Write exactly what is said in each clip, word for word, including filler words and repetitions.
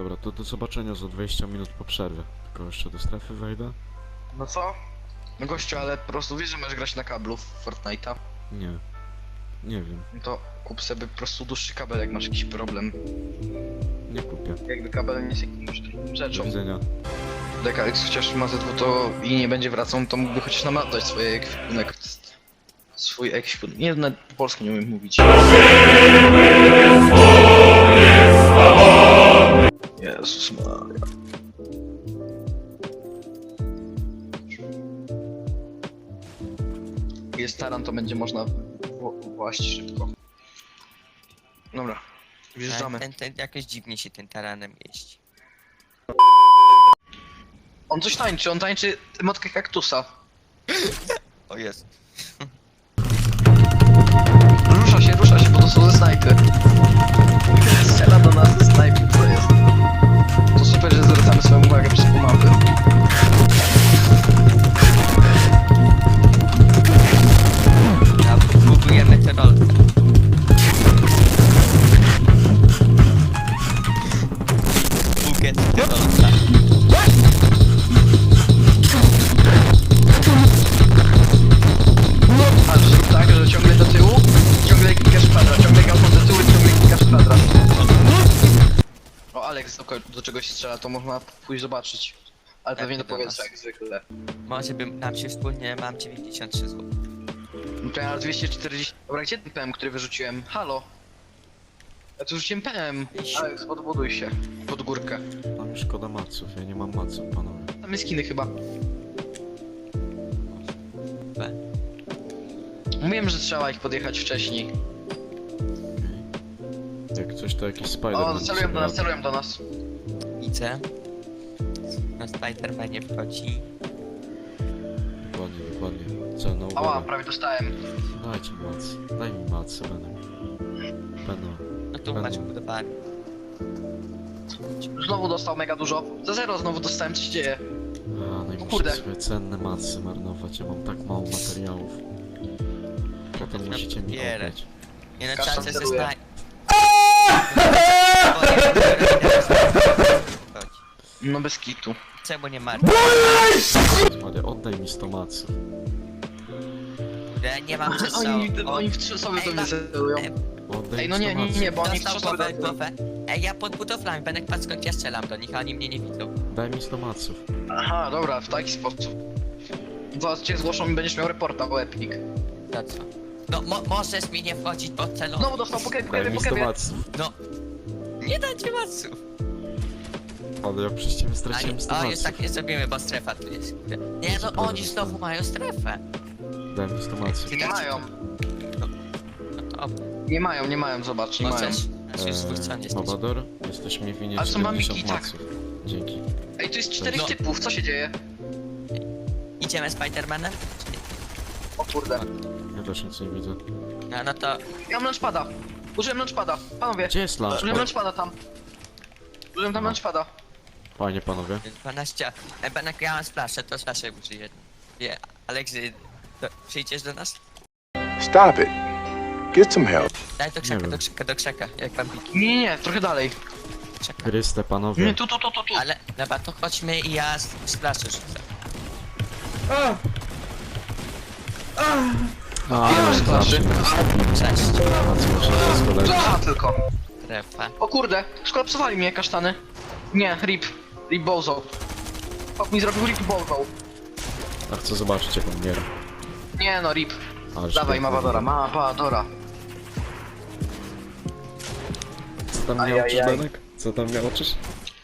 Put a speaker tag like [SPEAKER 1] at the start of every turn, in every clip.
[SPEAKER 1] Dobra, to do zobaczenia za dwadzieścia minut po przerwie. Tylko jeszcze do strefy wejdę?
[SPEAKER 2] No co? No gościu, ale po prostu wiesz, że możesz grać na kablu w Fortnite'a.
[SPEAKER 1] Nie. Nie wiem.
[SPEAKER 2] No to kup sobie po prostu dłuższy kabel, jak masz jakiś problem.
[SPEAKER 1] Nie kupię.
[SPEAKER 2] Jakby kabel nie jest jakimś trudną
[SPEAKER 1] Do
[SPEAKER 2] rzeczą.
[SPEAKER 1] widzenia.
[SPEAKER 2] Jak Alex chociaż ma ze dwa to i nie będzie wracał, to mógłby chociaż nam oddać swoje ekwipunek. Swój ekwipunek. Nie, nawet po polsku nie umiem mówić. Jezus Maria. Jest taran, to będzie można wła- właść szybko. Dobra, wjeżdżamy.
[SPEAKER 3] Ten, ten jakoś dziwnie się tym taranem jeździ.
[SPEAKER 2] On coś tańczy, on tańczy motkę kaktusa.
[SPEAKER 3] O jest.
[SPEAKER 2] Rusza się, rusza się, bo to są ze snajpy. Strzela do nas ze snajpy, co jest? To super, że zwracamy swoją uwagę przez pół mapy.
[SPEAKER 3] Ja budujemy tę rolkę. Buget tę rolkę.
[SPEAKER 2] A zrób tak, że ciągle do tyłu, ciągle klikasz kwadrat, ciągle gałką do tyłu, ciągle klikasz kwadrat. O, Alex do, ko- do czegoś strzela, to można pójść zobaczyć. Ale pewnie do
[SPEAKER 3] do
[SPEAKER 2] powietrza
[SPEAKER 3] nas.
[SPEAKER 2] jak zwykle.
[SPEAKER 3] Może bym nam się wspólnie, mam dziewięćdziesiąt trzy zł.
[SPEAKER 2] No to ja mam dwieście czterdzieści... Dobra, gdzie ten P M, który wyrzuciłem? Halo? Ja tu rzuciłem P M. Alex, podbuduj się. Pod górkę.
[SPEAKER 1] Tam mi szkoda maców, ja nie mam maców, panowie.
[SPEAKER 2] Tam jest skiny chyba.
[SPEAKER 3] B.
[SPEAKER 2] Mówiłem, że trzeba ich podjechać wcześniej.
[SPEAKER 1] Jak coś to jakiś spider.
[SPEAKER 2] O, celują do nas, celują do nas.
[SPEAKER 3] Widzę. Na Spidermanie wchodzi.
[SPEAKER 1] Dokładnie, dokładnie. Celna
[SPEAKER 2] Ała,
[SPEAKER 1] uwaga.
[SPEAKER 2] prawie dostałem.
[SPEAKER 1] Dajcie macy. Daj mi macy, będę. Będę.
[SPEAKER 3] No tu macie budowany.
[SPEAKER 2] Znowu dostał mega dużo. Za zero znowu dostałem, co się dzieje?
[SPEAKER 1] A, no i muszę
[SPEAKER 2] kurde.
[SPEAKER 1] swoje cenne macy marnować, ja mam tak mało materiałów. Potem musicie mi
[SPEAKER 3] Bierę.
[SPEAKER 1] oddać.
[SPEAKER 3] Nie na
[SPEAKER 2] Kasztan
[SPEAKER 3] czas ze
[SPEAKER 2] celuje.
[SPEAKER 3] snaj...
[SPEAKER 2] No bez kitu.
[SPEAKER 3] Czemu nie ma?
[SPEAKER 1] Maria, oddaj mi sto maców.
[SPEAKER 3] Ja nie mam przez
[SPEAKER 2] Oni,
[SPEAKER 3] co.
[SPEAKER 2] oni w trzy osoby do
[SPEAKER 3] Ej,
[SPEAKER 2] mnie
[SPEAKER 3] ma-
[SPEAKER 2] celują.
[SPEAKER 3] Ej,
[SPEAKER 1] Oddaj
[SPEAKER 2] Ej,
[SPEAKER 1] mi
[SPEAKER 2] no
[SPEAKER 1] sto
[SPEAKER 2] nie, nie,
[SPEAKER 1] maców.
[SPEAKER 2] nie, bo oni w trzy
[SPEAKER 3] Dostał
[SPEAKER 2] osoby
[SPEAKER 3] głowę,
[SPEAKER 2] do mnie.
[SPEAKER 3] głowę. Ej, ja pod budowlami, Benek, patrz skąd ja strzelam do nich, a oni mnie nie widzą.
[SPEAKER 1] Daj mi sto maców.
[SPEAKER 2] Aha, dobra, w taki sposób. Zaraz cię zgłoszą i będziesz miał reporta, bo Epic.
[SPEAKER 3] Za co? No, mo możesz mi nie wchodzić pod celownik.
[SPEAKER 2] Znowu dostał po kebie, po
[SPEAKER 1] Daj
[SPEAKER 2] kebie,
[SPEAKER 1] mi
[SPEAKER 2] po
[SPEAKER 1] sto
[SPEAKER 2] kebie.
[SPEAKER 1] maców.
[SPEAKER 3] No. Nie dajcie maców.
[SPEAKER 1] Ale ja przecież ciebie straciłem sto
[SPEAKER 3] A, o, już
[SPEAKER 1] maców.
[SPEAKER 3] tak nie zrobimy, bo strefa tu jest. Nie no, oni znowu mają strefę.
[SPEAKER 1] Daj mi sto maców.
[SPEAKER 3] Ty
[SPEAKER 2] Nie
[SPEAKER 3] dacie-
[SPEAKER 2] mają,
[SPEAKER 3] No to
[SPEAKER 2] nie mają, nie mają, zobacz, nie mają.
[SPEAKER 3] możesz. Znaczy już dwóch stron
[SPEAKER 1] Eee,
[SPEAKER 3] jesteś.
[SPEAKER 1] Mabador, jesteś mi winien
[SPEAKER 2] Ale są bambiki,
[SPEAKER 1] siedemdziesiąt
[SPEAKER 2] tak.
[SPEAKER 1] maców. Dzięki.
[SPEAKER 2] Ej, tu jest czterech
[SPEAKER 3] No.
[SPEAKER 2] typów, co się dzieje?
[SPEAKER 3] Idziemy Spidermanem?
[SPEAKER 2] O kurde.
[SPEAKER 1] Ja też nic nie widzę.
[SPEAKER 3] No, no to...
[SPEAKER 2] Ja mam launchpada. Użyłem launchpada. Panowie,
[SPEAKER 1] Gdzie jest
[SPEAKER 2] użyłem
[SPEAKER 1] launchpad?
[SPEAKER 2] launchpada tam. Użyłem tam
[SPEAKER 1] No.
[SPEAKER 2] launchpada.
[SPEAKER 1] Panie, panowie.
[SPEAKER 3] dwanaście... E, Benek, ja mam splaszę, to splaszę użyję. Nie, Aleksy, do, przyjdziesz do nas?
[SPEAKER 4] Stop it. Get some help.
[SPEAKER 3] Daj do krzaka,
[SPEAKER 1] wiem.
[SPEAKER 3] do krzaka, do krzaka, jak bambiki.
[SPEAKER 2] Nie, nie, nie, trochę dalej.
[SPEAKER 3] Krzaka.
[SPEAKER 1] Chryste, panowie.
[SPEAKER 2] Nie, tu, tu, tu, tu, tu.
[SPEAKER 3] Ale, dobra, to chodźmy i ja s- splaszę rzucę.
[SPEAKER 1] A,
[SPEAKER 2] Ile masz
[SPEAKER 1] zawsze
[SPEAKER 2] klaszy?
[SPEAKER 1] mnie
[SPEAKER 3] Cześć,
[SPEAKER 1] macy muszę z kolei.
[SPEAKER 2] Aha, tylko.
[SPEAKER 3] strefa.
[SPEAKER 2] O kurde, skolapsowali mnie kasztany. Nie, rip. Rip bozo. Hop mi zrobił rip bozo.
[SPEAKER 1] A chcę zobaczyć jak on miera.
[SPEAKER 2] Nie no, rip.
[SPEAKER 1] Ależ
[SPEAKER 2] Dawaj,
[SPEAKER 1] piękny.
[SPEAKER 2] Mawadora, Mawadora.
[SPEAKER 1] Co tam
[SPEAKER 2] Ajajaj.
[SPEAKER 1] miałoczysz, Benek? Co tam miałoczysz?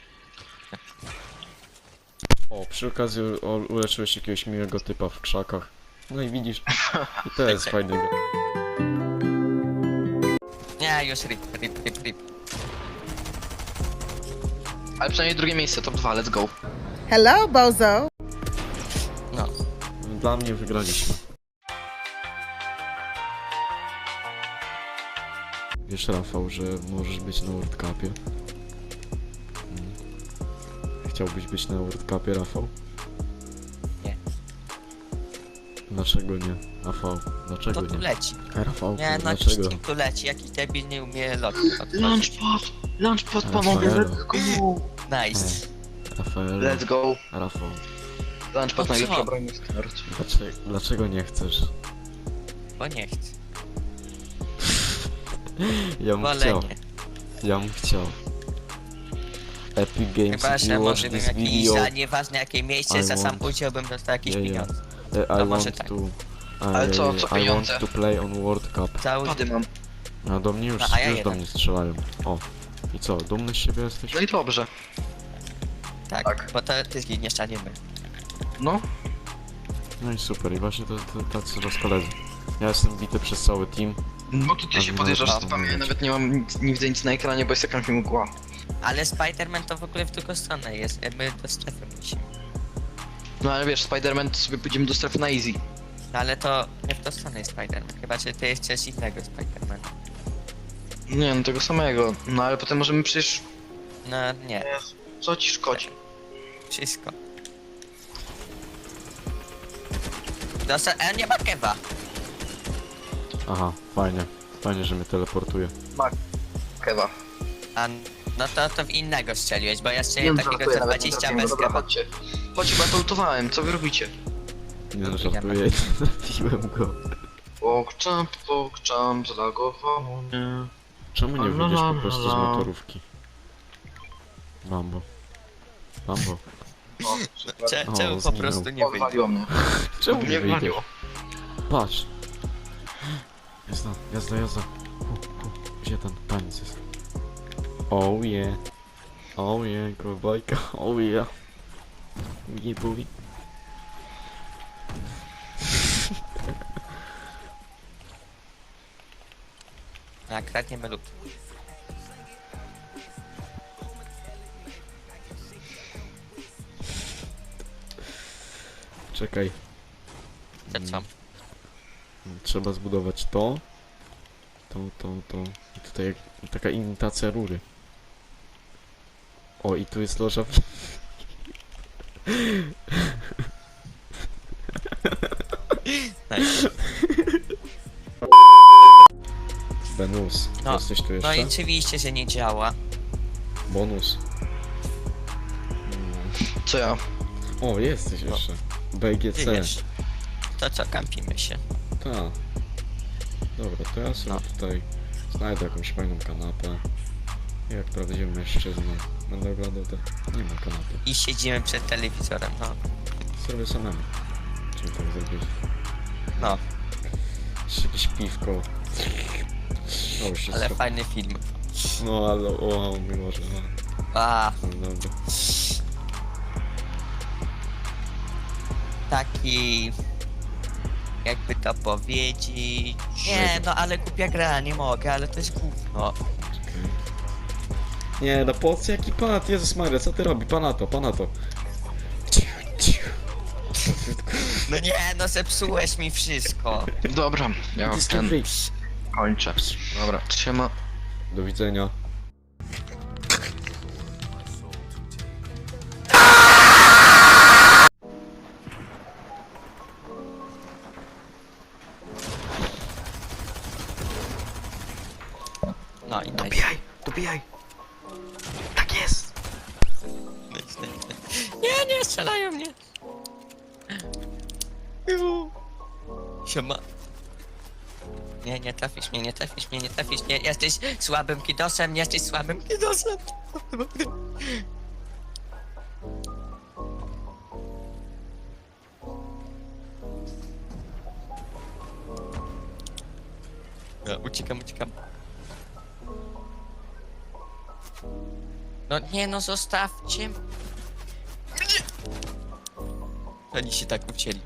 [SPEAKER 1] O, przy okazji u- uleczyłeś jakiegoś miłego typa w krzakach. No i widzisz, i to jest fajnego.
[SPEAKER 3] Nie, już rip, rip, rip, rip.
[SPEAKER 2] Ale przynajmniej drugie miejsce, top dwa, let's go.
[SPEAKER 5] Hello, Bozo.
[SPEAKER 3] No.
[SPEAKER 1] Dla mnie wygraliśmy. Wiesz, Rafał, że możesz być na World Cupie? Mm. Chciałbyś być na World Cupie, Rafał?
[SPEAKER 3] Nie.
[SPEAKER 1] No Dlaczego nie? Rafał, dlaczego
[SPEAKER 3] To tu
[SPEAKER 1] nie?
[SPEAKER 3] leci.
[SPEAKER 1] Rafał,
[SPEAKER 3] Nie, no
[SPEAKER 1] dlaczego?
[SPEAKER 3] jakiś tu leci, jakiś debil nie umie lotu otworzyć.
[SPEAKER 2] Launchpad! Launchpad, panowie,
[SPEAKER 1] Rafaelu.
[SPEAKER 2] let's go!
[SPEAKER 3] Nice.
[SPEAKER 1] Rafael,
[SPEAKER 2] Let's go!
[SPEAKER 1] Rafał,
[SPEAKER 2] Launchpad,
[SPEAKER 3] O co?
[SPEAKER 2] najlepsza broń na start.
[SPEAKER 1] dlaczego, dlaczego nie chcesz?
[SPEAKER 3] Bo nie chcę.
[SPEAKER 1] Ja bym
[SPEAKER 3] Wolę
[SPEAKER 1] chciał,
[SPEAKER 3] nie.
[SPEAKER 1] ja bym chciał. Epic Games,
[SPEAKER 3] Chyba,
[SPEAKER 1] if
[SPEAKER 3] że
[SPEAKER 1] you watch
[SPEAKER 3] może bym
[SPEAKER 1] this
[SPEAKER 3] jakiś,
[SPEAKER 1] video,
[SPEAKER 3] za nieważne jakie miejsce,
[SPEAKER 1] I
[SPEAKER 3] za sam
[SPEAKER 1] want-
[SPEAKER 3] udział bym dostał jakieś
[SPEAKER 1] Yeah, yeah.
[SPEAKER 3] pieniądze.
[SPEAKER 1] uh,
[SPEAKER 3] to
[SPEAKER 1] I
[SPEAKER 3] może
[SPEAKER 1] want
[SPEAKER 3] tak.
[SPEAKER 1] to...
[SPEAKER 2] Ale co, co
[SPEAKER 1] I
[SPEAKER 2] pieniądze?
[SPEAKER 1] want to play on World Cup.
[SPEAKER 3] Za udział.
[SPEAKER 2] Pady mam.
[SPEAKER 1] No do mnie już,
[SPEAKER 3] A, a ja
[SPEAKER 1] już do
[SPEAKER 3] jeden.
[SPEAKER 1] mnie strzelają. O. I co, dumny z siebie jesteś?
[SPEAKER 2] No i dobrze.
[SPEAKER 3] Tak,
[SPEAKER 2] Tak.
[SPEAKER 3] bo to ty zginiesz, a nie my.
[SPEAKER 2] No.
[SPEAKER 1] No i super, i właśnie to, to tacy raz koledzy. Ja jestem bity przez cały team.
[SPEAKER 2] Bo tu ty
[SPEAKER 1] A
[SPEAKER 2] się
[SPEAKER 1] no,
[SPEAKER 2] podjeżdżasz
[SPEAKER 1] no,
[SPEAKER 2] z typami,
[SPEAKER 1] no,
[SPEAKER 2] ja
[SPEAKER 1] no.
[SPEAKER 2] nawet nie mam nic, nie widzę nic na ekranie, bo jest jakaś mgła.
[SPEAKER 3] Ale Spider-Man to w ogóle w drugą stronę jest, my do strefy musimy.
[SPEAKER 2] No ale wiesz, Spider-Man to sobie pójdziemy do strefy na easy.
[SPEAKER 3] No ale to nie w tą stronę jest Spider-Man, chyba że ty chcesz innego Spider-Mana.
[SPEAKER 2] Nie no, tego samego. No ale potem możemy przecież...
[SPEAKER 3] No nie,
[SPEAKER 2] Co ci szkodzi?
[SPEAKER 3] wszystko. Dosta- e, nie ma kewa.
[SPEAKER 1] Aha, fajnie. Fajnie, że mnie teleportuje.
[SPEAKER 2] Kewa.
[SPEAKER 3] A no to, to w innego strzeliłeś, bo ja
[SPEAKER 2] Nie
[SPEAKER 3] strzeliłem
[SPEAKER 2] no,
[SPEAKER 3] takiego
[SPEAKER 2] żartuję,
[SPEAKER 3] co
[SPEAKER 2] nawet nie
[SPEAKER 3] dwadzieścia
[SPEAKER 2] trafiłem.
[SPEAKER 3] bez
[SPEAKER 2] Dobra,
[SPEAKER 3] kewa.
[SPEAKER 2] chodźcie. Chodźcie, bo ja to lutowałem, co wy robicie?
[SPEAKER 1] Nie no,
[SPEAKER 3] Nie
[SPEAKER 1] żartuję, trafiłem go.
[SPEAKER 2] Pokczamp, pokczamp, zlagowało mnie.
[SPEAKER 1] Czemu nie
[SPEAKER 2] La, la,
[SPEAKER 1] wyjdziesz
[SPEAKER 2] la,
[SPEAKER 1] po prostu z
[SPEAKER 2] la.
[SPEAKER 1] motorówki? Bambo. Bambo.
[SPEAKER 2] No, super.
[SPEAKER 3] Cze-
[SPEAKER 1] O,
[SPEAKER 3] Czemu po
[SPEAKER 1] zginął.
[SPEAKER 3] prostu nie wyjdzie?
[SPEAKER 2] Odwaliło mnie.
[SPEAKER 1] Czemu
[SPEAKER 2] Mnie
[SPEAKER 1] nie wyjdziesz?
[SPEAKER 2] wywaliło.
[SPEAKER 1] Patrz. Jazda, jazda, jazda. Hu, hu. Gdzie ten taniec jest? Oh yeah. Oh yeah, kowbojka. Oh yeah. Yeah, boy.
[SPEAKER 3] A kradniemy lub.
[SPEAKER 1] Czekaj.
[SPEAKER 3] To co?
[SPEAKER 1] Trzeba zbudować to. To, to, to. I tutaj jak, taka imitacja rury. O, i tu jest loża. w-
[SPEAKER 3] Nice.
[SPEAKER 1] Benus,
[SPEAKER 3] No,
[SPEAKER 1] jesteś tu jeszcze?
[SPEAKER 3] No i oczywiście, że nie działa.
[SPEAKER 1] Bonus.
[SPEAKER 2] Co ja?
[SPEAKER 1] O, jesteś jeszcze. B G
[SPEAKER 3] Ty
[SPEAKER 1] C.
[SPEAKER 3] wiesz. To co, kampimy się.
[SPEAKER 1] Tak. Dobra, to ja sobie
[SPEAKER 3] No.
[SPEAKER 1] tutaj znajdę jakąś fajną kanapę. Jak prawdziwy mężczyzna będę oglądał te... Nie ma kanapy.
[SPEAKER 3] I siedzimy przed telewizorem, no.
[SPEAKER 1] Zrobię samemu. Czym tak zrobić?
[SPEAKER 3] No,
[SPEAKER 1] Jeszcze jakieś piwko. O, się
[SPEAKER 3] ale
[SPEAKER 1] zro-
[SPEAKER 3] fajny film.
[SPEAKER 1] No ale o, mimo że... No,
[SPEAKER 3] A,
[SPEAKER 1] no dobra.
[SPEAKER 3] taki... Jakby to powiedzieć... Nie, no ale głupia gra, nie mogę, ale to jest gówno.
[SPEAKER 1] Czekaj. Nie, no po co jaki panat? Jezus Maria, co ty robi? Panato, panato.
[SPEAKER 3] No nie, no zepsułeś mi wszystko.
[SPEAKER 2] Dobra, ja ten
[SPEAKER 1] Discovery.
[SPEAKER 2] kończę. Dobra, trzyma.
[SPEAKER 1] Do widzenia.
[SPEAKER 3] No i nice.
[SPEAKER 2] Dobijaj, dobijaj. Tak jest.
[SPEAKER 3] Nice, nice, nice. Nie, nie, strzelają mnie. Ju. Siema. Nie, nie trafisz mnie, nie trafisz mnie, nie trafisz mnie. Jesteś słabym kidosem, jesteś słabym kidosem. Ja uciekam, uciekam. No nie no, zostawcie. Oni się tak ucięli.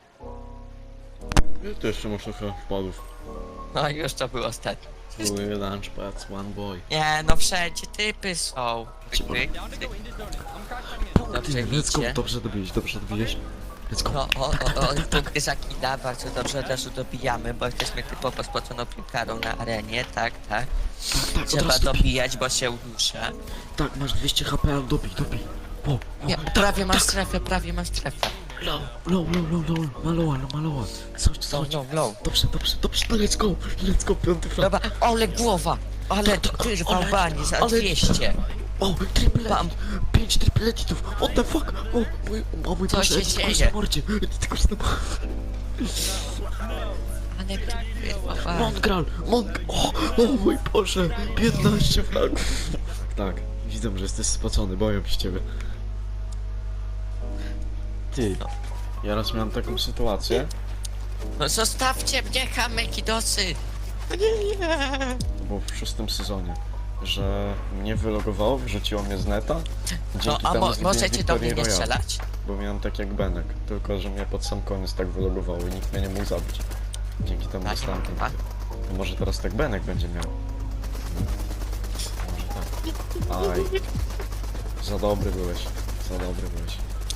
[SPEAKER 1] Ja tu jeszcze masz trochę wpadów.
[SPEAKER 3] No i już to był ostatni.
[SPEAKER 1] Były lunchpads, one boy.
[SPEAKER 3] Nie no, wszędzie typy są. Pyk, pyk, pyk. Dobrze
[SPEAKER 1] Let's go,
[SPEAKER 3] widzicie.
[SPEAKER 1] dobrze dobiłeś, dobrze dobiłeś. Let's go.
[SPEAKER 3] No, o, o, o, punkty zakida, bardzo dobrze od razu dobijamy, bo jesteśmy typowo spoconą piłkarą na arenie, tak, tak.
[SPEAKER 1] Tak, od
[SPEAKER 3] Trzeba
[SPEAKER 1] razu dobij.
[SPEAKER 3] dobijać, bo się udusza.
[SPEAKER 1] Tak, masz dwieście H P, ale dobij, dobij. O, o,
[SPEAKER 3] Nie, prawie masz strefę, prawie masz strefę.
[SPEAKER 1] Low, low, low, low, low, maloła, no maloła. Coś,
[SPEAKER 3] No,
[SPEAKER 1] coś.
[SPEAKER 3] no, no.
[SPEAKER 1] Dobrze, dobrze, dobrze, no let's go, let's go, piąty frag.
[SPEAKER 3] Dobra, ale głowa! Ale to kurwa
[SPEAKER 1] ale-
[SPEAKER 3] bani za
[SPEAKER 1] ale-
[SPEAKER 3] dwieście.
[SPEAKER 1] O, triple
[SPEAKER 3] Bam.
[SPEAKER 1] edit, pięć triple editów, what the fuck? O, mój, o mój
[SPEAKER 3] Co
[SPEAKER 1] Boże,
[SPEAKER 3] się
[SPEAKER 1] edit
[SPEAKER 3] dzieje?
[SPEAKER 1] kurs na mordzie, edit kurs na mordzie.
[SPEAKER 3] Ale kurwa bani.
[SPEAKER 1] Montgral, Mont... O, o mój Boże, piętnaście fragów. Tak, widzę, że jesteś spocony, boję się ciebie. Ty, ja raz miałem taką sytuację,
[SPEAKER 3] No zostawcie mnie, kameki dosy! Nie, nie.
[SPEAKER 1] to było w szóstym sezonie, że mnie wylogowało, wrzuciło mnie z neta, dzięki
[SPEAKER 3] No a
[SPEAKER 1] temu
[SPEAKER 3] mo
[SPEAKER 1] zgubiłem
[SPEAKER 3] możecie do mnie
[SPEAKER 1] Victory
[SPEAKER 3] nie
[SPEAKER 1] Royale,
[SPEAKER 3] strzelać?
[SPEAKER 1] bo miałem tak jak Benek, tylko że mnie pod sam koniec tak wylogowało i nikt mnie nie mógł zabić. Dzięki temu
[SPEAKER 3] Tak,
[SPEAKER 1] dostałem ten
[SPEAKER 3] tak.
[SPEAKER 1] tytuł. No może teraz tak Benek będzie miał. Może tak. Aj. Za dobry byłeś. Za dobry byłeś.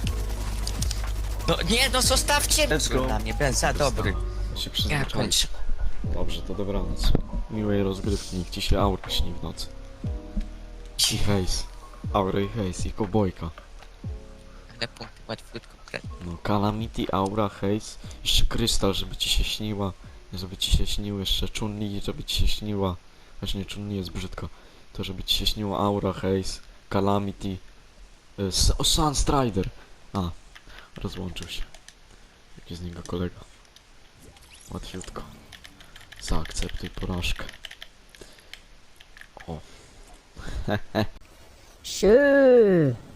[SPEAKER 3] No nie, no zostawcie
[SPEAKER 1] Let's go.
[SPEAKER 3] na mnie, ben za dobry.
[SPEAKER 1] Ja się
[SPEAKER 3] Ja
[SPEAKER 1] przyzwyczaiłem.
[SPEAKER 3] kończę.
[SPEAKER 1] Dobrze, to dobranoc. Miłej rozgrywki, niech ci się aura śni w nocy. I hejs. Aura i hejs, i kobojka.
[SPEAKER 3] Ale punkty łatwiutko krę.
[SPEAKER 1] No, Calamity, Aura, hejs. Jeszcze Krystal, żeby ci się śniła. Żeby ci się śnił jeszcze Chun-Li, żeby ci się śniła. Właśnie Chun-Li jest brzydko. To żeby ci się śniło Aura, hejs, Calamity. Y, S- o, Sunstrider. A, rozłączył się. Jaki z niego kolega. Łatwiutko. Zaakceptuj porażkę. O.
[SPEAKER 6] Sure.